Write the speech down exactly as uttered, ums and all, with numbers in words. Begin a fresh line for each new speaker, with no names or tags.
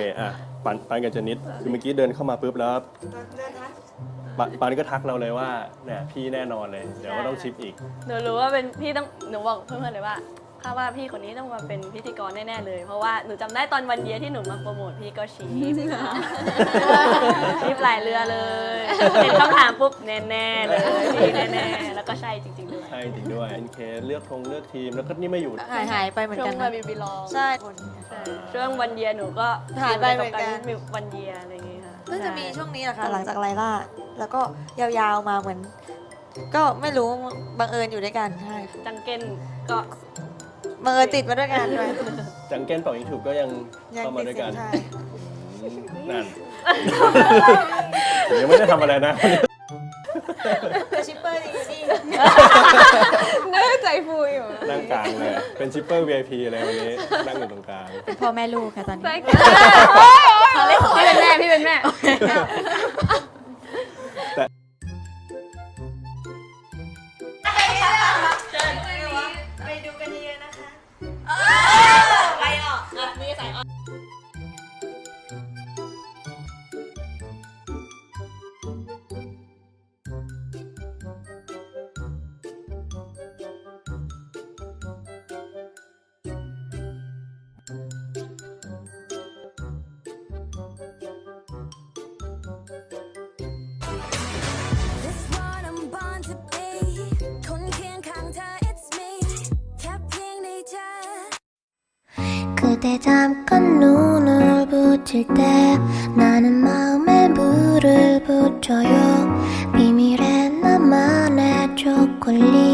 อ่ะปันปันกับเจนิดคือเมื่อกี้เดินเข้ามาปุ๊บแล้วปันปันก็ทักเราเลยว่าเนี่ยพี่แน่นอนเลยเดี๋ยวก็ต้องชิปอีก
หนูรู้ว่าเป็นพี่ต้องหนูบอกเพื่อนๆเลยว่าข้าว่าพี่คนนี้ต้องมาเป็นพิธีกรแน่ๆเลยเพราะว่าหนูจำได้ตอนวันเยียที่หนูมาโปรโมทพี่ก็ชี้ชี้หลายเรือเลยเห็นคำถามปุ๊บแน่ๆเลยพี่แน่ๆแล้วก็ใช่จริงๆด้วย
ใช่จริงด้วยเอ็นเคเลือกธงเลือกทีมแล้วก็นี่ไม่อยู่
หายหายไปเหมือน
ช่ว
กั
ง
น
มา
นะ
บิบิลอง
ใช่
ช่วงวันเยียหนูก็
หายไปเหมือนกัน
มีวันเยียอะไรอย่างเงี้ยค่ะ
เพิ่งจะมีช่วงนี้แหละค่ะหลังจากไลล่าแล้วก็ยาวๆมาเหมือน ก็ไม่รู้บังเอิญอยู่ด้วยกันใช่ค่ะ
จังเก้นก็
บังเอิญติดมาด้วยกันด้วย
จังเก้นเป่ายิงฉุบก็ยัง
ยัง
เข้ามา
ติด
ด้วย
เสี
กั
ย
น
งใช่
นั่นผมยังไม่ได้ทำอะไรนะ
แต่ชิปเปอร์ดีนี่
เนื้อใจฟูอยู่
นั่งกลางเลยเป็นชิปเปอร์ วี ไอ พี เลยวันนี้นั่งอยู่ตรงกลาง
เป็นพ่อแม่ลูกค่ะตอนนี้
พี่เป็นแม่พี่เป็นแม่
ไปดูกันเยอะนะคะ
ไปออกมีสายออก
This one I'm born to be คนเคียงข้างเธอ it's me แค่เพียงได้เจอ
그대 잠깐 눈을 붙일 때 나는 마음에 물을 붙여요 비밀의 나만의 초콜릿